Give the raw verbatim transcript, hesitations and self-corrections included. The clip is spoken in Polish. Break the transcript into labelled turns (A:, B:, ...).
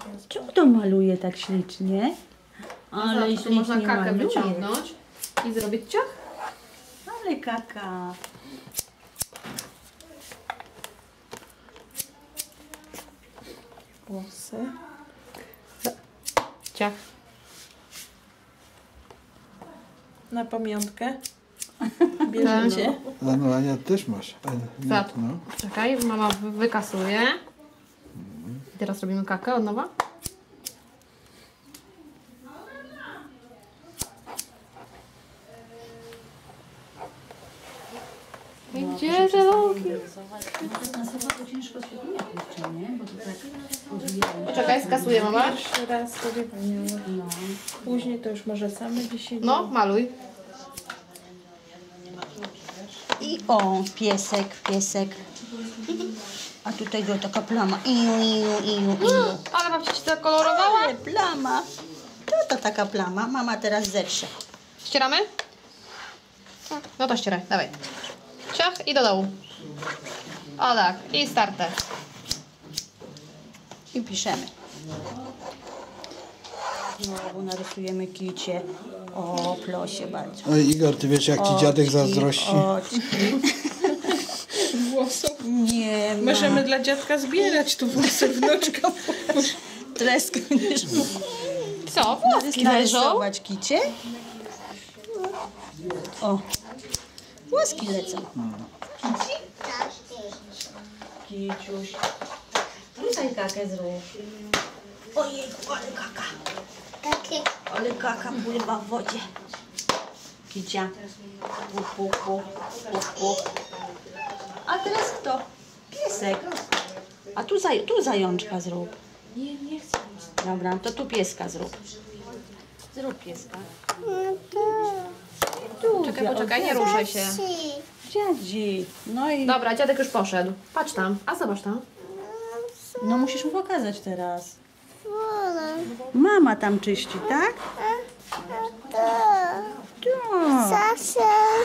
A: Czemu to maluje tak ślicznie? Ale
B: no,
A: ślicznie
B: można kakę
A: maluje.
B: wyciągnąć i zrobić ciach.
A: Ale kaka.
C: Włosy.
B: Ciach.
C: Na pamiątkę. Bierzecie.
D: A no, Ania też masz. A, nie,
B: Za-
D: no.
B: Czekaj, mama wy- wykasuje. I teraz robimy kakę od nowa. I gdzie te loki?
A: Na sobą to ciężko się jeszcze, nie? Bo to tak odwijają.
B: Czekaj, skasuję mama.
C: Pierwszy raz sobie pamiętam.
A: No.
C: Później to już może same dzisiaj.
B: No, maluj.
A: I o, piesek, piesek. A tutaj go taka plama. Iu, iu, iu, iu.
B: Ale babcia ci to kolorowała.
A: Ale plama. To to taka plama. Mama teraz zetrze.
B: Ścieramy? No to ścieraj, dawaj. Ciach i do dołu. O tak, i starter.
A: I piszemy. Znowu narysujemy kicie. O, plosie bardzo.
D: Oj, Igor, ty wiesz, jak ci dziadek zazdrości.
A: Oczki.
C: Włosów.
A: Nie ma.
C: Możemy dla dziadka zbierać tu włosy wnuczka.
A: Treskę będziesz
B: Co? Włoski leżą.
A: narysować kicie. O, włoski lecą. Kiciuś. Tutaj kakę zrób. Ojej, ale kaka. Ale kaka pływa w wodzie. Kicia. Puk, puk, puk, puk, puk. A teraz kto? Piesek. A tu, zaj tu zajączka zrób.
B: Nie, nie chcę.
A: Dobra, to tu pieska zrób. Zrób pieska.
B: Czekaj, poczekaj, nie ruszaj się.
A: Dziadzi. No i...
B: Dobra, dziadek już poszedł. Patrz tam, a zobacz tam.
A: No musisz mu pokazać teraz. Mama tam czyści, tak? Tak.